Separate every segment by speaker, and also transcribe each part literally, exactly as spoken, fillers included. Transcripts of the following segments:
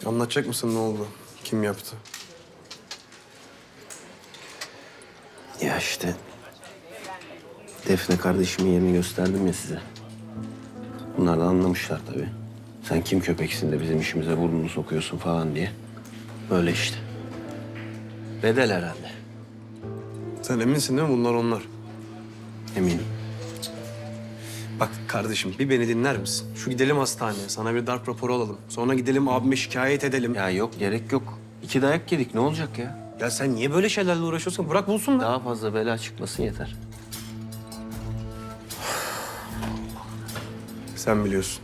Speaker 1: Anlatacak mısın ne oldu? Kim yaptı?
Speaker 2: Ya işte Defne kardeşimin yerini gösterdim ya size. Bunlar da anlamışlar tabii. Sen kim köpeksin de bizim işimize burnunu sokuyorsun falan diye. Böyle işte. Bedel herhalde.
Speaker 1: Sen eminsin değil mi bunlar onlar?
Speaker 2: Eminim.
Speaker 1: Bak kardeşim bir beni dinler misin? Şu gidelim hastaneye. Sana bir darp raporu alalım. Sonra gidelim abime şikayet edelim. Ya,
Speaker 2: Ya yok gerek yok. İki dayak yedik ne olacak ya?
Speaker 1: ya sen niye böyle şeylerle uğraşıyorsun? Bırak bulsunlar.
Speaker 2: Daha fazla bela çıkmasın yeter.
Speaker 1: Sen biliyorsun.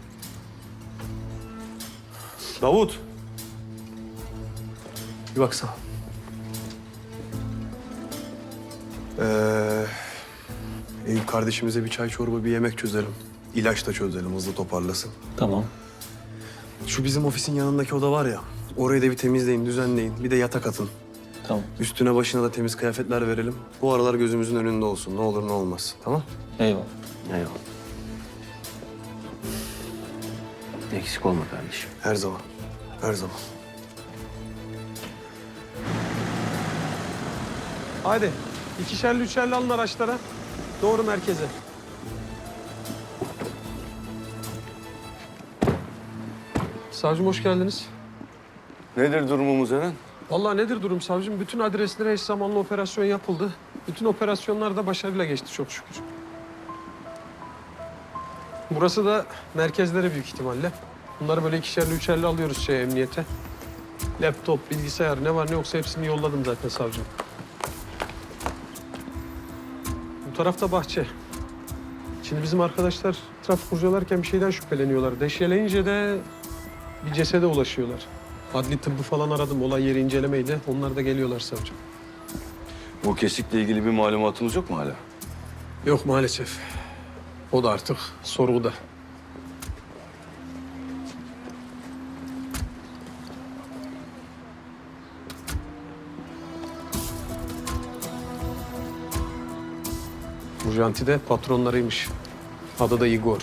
Speaker 1: Davut. Bir baksana. Ee, Eyüp kardeşimize bir çay çorba bir yemek çözelim. İlaç da çözelim hızlı toparlasın.
Speaker 2: Tamam.
Speaker 1: Şu bizim ofisin yanındaki oda var ya. Orayı da bir temizleyin, düzenleyin. Bir de yatak atın.
Speaker 2: Tamam.
Speaker 1: Üstüne başına da temiz kıyafetler verelim. Bu aralar gözümüzün önünde olsun. Ne olur ne olmaz. Tamam?
Speaker 2: Eyvallah. Eyvallah. Eksik olma kardeşim.
Speaker 1: Her zaman. Her zaman.
Speaker 3: Hadi ikişerli üçerli alın araçlara. Doğru merkeze. Savcım hoş geldiniz.
Speaker 4: Nedir durumumuz Eren?
Speaker 3: Vallahi nedir durum savcım? Bütün adreslere eş zamanlı operasyon yapıldı. Bütün operasyonlar da başarıyla geçti çok şükür. Burası da merkezlere büyük ihtimalle. Bunları böyle ikişerli üçerli alıyoruz şey emniyete. Laptop, bilgisayar ne var ne yoksa hepsini yolladım zaten savcım. Bu tarafta bahçe. Şimdi bizim arkadaşlar trafik kurcalarken bir şeyden şüpheleniyorlar. Deşeleyince de bir cesede ulaşıyorlar. Adli tıbbı falan aradım. Olay yeri incelemeydi. Onlar da geliyorlar savcım.
Speaker 4: Bu kesikle ilgili bir malumatınız yok mu hala?
Speaker 3: Yok maalesef. O da artık sorguda. Bu janti de patronlarıymış. Adı da Igor.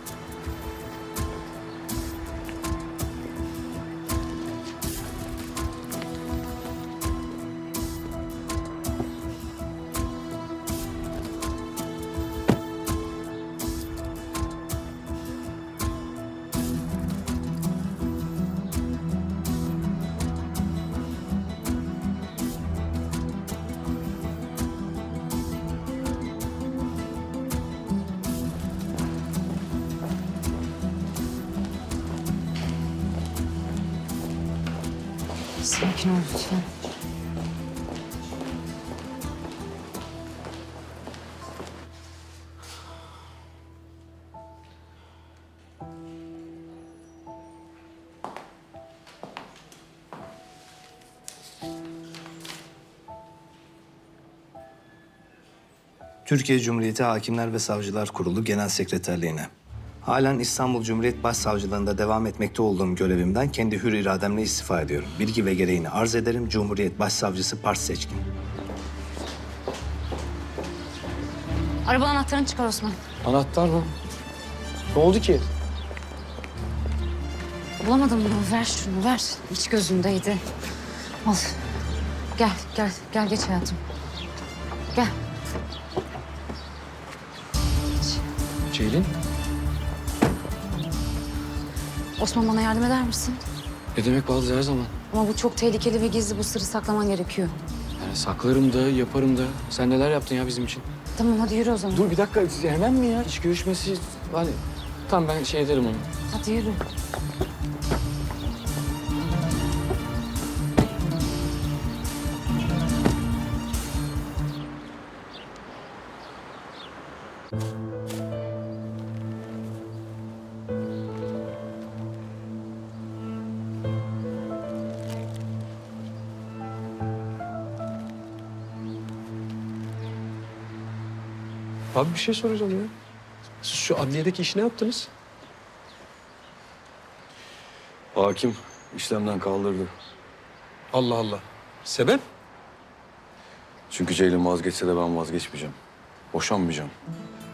Speaker 5: Sakin ol lütfen.
Speaker 6: Türkiye Cumhuriyeti Hakimler ve Savcılar Kurulu Genel Sekreterliğine. Halen İstanbul Cumhuriyet Başsavcılığında devam etmekte olduğum görevimden kendi hür irademle istifa ediyorum. Bilgi ve gereğini arz ederim. Cumhuriyet Başsavcısı Pars Seçkin.
Speaker 5: Araba anahtarını çıkar Osman.
Speaker 3: Anahtar mı? Ne oldu ki?
Speaker 5: Bulamadım bunu. Ver şunu ver. İç gözündeydi. Al. Gel gel gel geç hayatım. Gel.
Speaker 7: Ceylin,
Speaker 5: Osman bana yardım eder misin?
Speaker 7: ne demek bazı her zaman?
Speaker 5: Ama bu çok tehlikeli ve gizli. Bu sırrı saklaman gerekiyor.
Speaker 7: Yani saklarım da, yaparım da. Sen neler yaptın ya bizim için?
Speaker 5: Tamam hadi yürü o zaman.
Speaker 7: Dur bir dakika, hemen mi ya? İş görüşmesi, hani... Tamam ben şey ederim onu.
Speaker 5: Hadi yürü.
Speaker 3: Abi bir şey soracağım ya. Siz şu adliyedeki işi ne yaptınız?
Speaker 4: Hakim işlemden kaldırdı.
Speaker 3: Allah Allah. Sebep?
Speaker 4: Çünkü Ceylin vazgeçse de ben vazgeçmeyeceğim. Boşanmayacağım.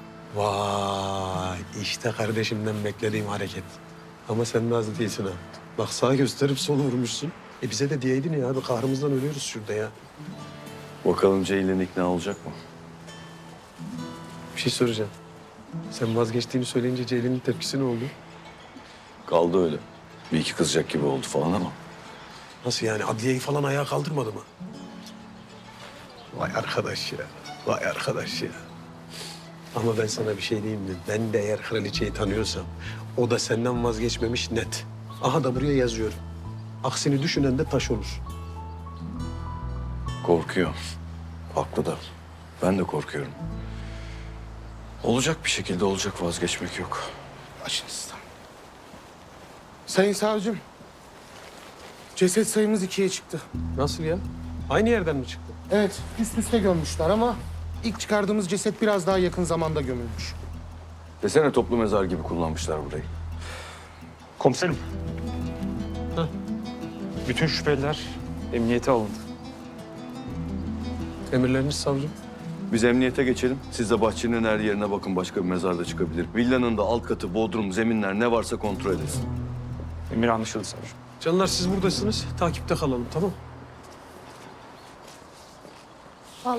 Speaker 3: Vay işte kardeşimden beklediğim hareket. Ama sen de az değilsin ha. Bak sağa gösterip sola vurmuşsun. E bize de diyeydin ya abi, kahrımızdan ölüyoruz şurada ya.
Speaker 4: Bakalım Ceylin ikna olacak mı?
Speaker 3: Bir şey soracağım. Sen vazgeçtiğini söyleyince Ceylin'in tepkisi ne oldu?
Speaker 4: Kaldı öyle. Bir iki kızacak gibi oldu falan ama.
Speaker 3: Nasıl yani? Adliyeyi falan ayağa kaldırmadı mı? Vay arkadaş ya. Vay arkadaş ya. Ama ben sana bir şey diyeyim mi? Ben de eğer kraliçeyi tanıyorsam o da senden vazgeçmemiş net. Aha da buraya yazıyorum. Aksini düşünen de taş olur.
Speaker 4: Korkuyor. Haklı da. Ben de korkuyorum. Olacak bir şekilde olacak, vazgeçmek yok.
Speaker 8: Başınızdan. Sayın savcım, ceset sayımız ikiye çıktı.
Speaker 3: Nasıl ya? Aynı yerden mi çıktı?
Speaker 8: Evet, üst üste gömmüşler ama ilk çıkardığımız ceset biraz daha yakın zamanda gömülmüş.
Speaker 4: Desene toplu mezar gibi kullanmışlar burayı.
Speaker 9: Komiserim.
Speaker 3: Heh.
Speaker 9: Bütün şüpheliler emniyete alındı.
Speaker 3: Emirleriniz savcım.
Speaker 4: Biz emniyete geçelim. Siz de bahçenin her yerine bakın. Başka bir mezar da çıkabilir. Villanın da alt katı, bodrum, zeminler ne varsa kontrol edin.
Speaker 9: Emir anlaşıldı savcım.
Speaker 3: Canlar siz buradasınız. Takipte kalalım, tamam mı?